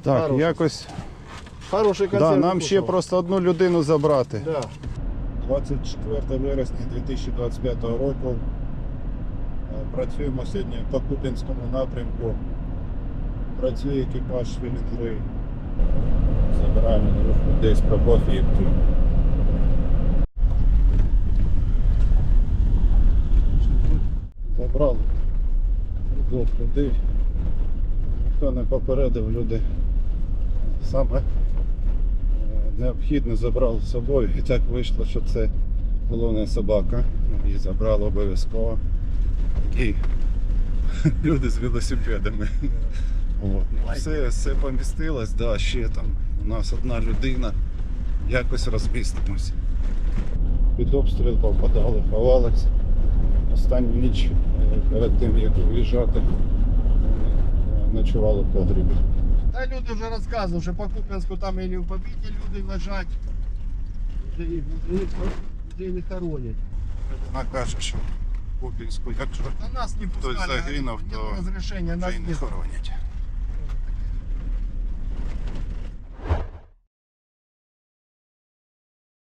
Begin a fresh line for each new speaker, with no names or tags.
Так,
Хороший.
якось
Хороший концерт.
нам ще просто одну людину забрати.
Да.
24 вересня 2025 року. Працюємо сьогодні по Куп'янському напрямку. Працює екіпаж Філінглей. Забираємо на рух людей з Прокоф'ївки. Забрали двох людей. Хто не попередив, люди саме необхідно забрали з собою. І так вийшло, що це головна собака. Її забрали обов'язково. І люди з велосипедами. Все помістилось, да, ще там у нас одна людина, якось розмістимось. Під обстріл попадали, ховалися. Останню ніч перед тим, як виїжджати, ночували в погрібі.
Та люди вже розказували, що по Куп'янську там і не в побіді люди лежать, людей не хоронять.
Вона каже, що в Куп'янську, якщо
На нас не
хтось
пускали,
загинув,
нет
то
розрішення, нас
вже й не
не
хоронять.